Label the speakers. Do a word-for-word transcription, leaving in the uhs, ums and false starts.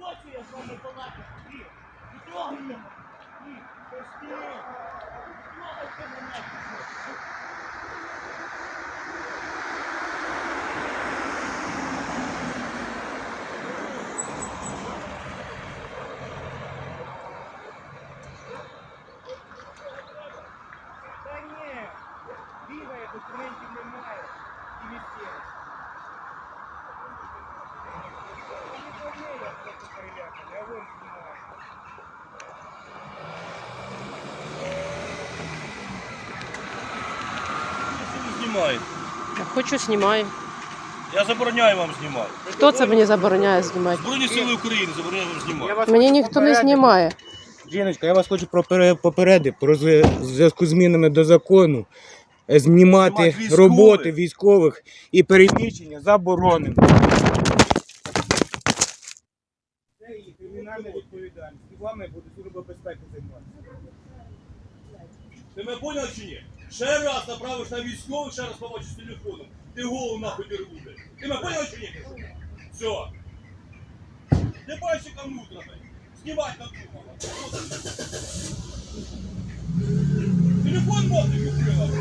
Speaker 1: хочу я з вами балакати. Ні, не трогай мене. Ні, пусти. Не трогайте мене. Та ні, бігає, документів немає. І місцевість. Не повний, я просто переляканий, а вон знімає.
Speaker 2: Знімаєте.
Speaker 3: Я хочу, знімаю.
Speaker 2: Я забороняю вам знімати.
Speaker 3: Хто це мені забороняє знімати?
Speaker 2: Збройні сили України забороняю вам знімати.
Speaker 3: Мені ніхто не знімає.
Speaker 4: Жіночка, я вас хочу пропере- попередити про з- в зв'язку з змінами до закону. е, Знімати
Speaker 2: Знімати військових.
Speaker 4: роботи військових і переміщення заборонено. Це і кримінальна відповідальність. І вами буде служба безпеки займатися.
Speaker 2: Ти мене поняв чи ні? Ще раз направиш на військових, ще раз побачиш з телефоном. Ти голову нахуй не рвуде. Ти мене поняв чи ні? Все. Ти бачиш, яка мудра. Знімати надумала. Телефон мовник відкрила.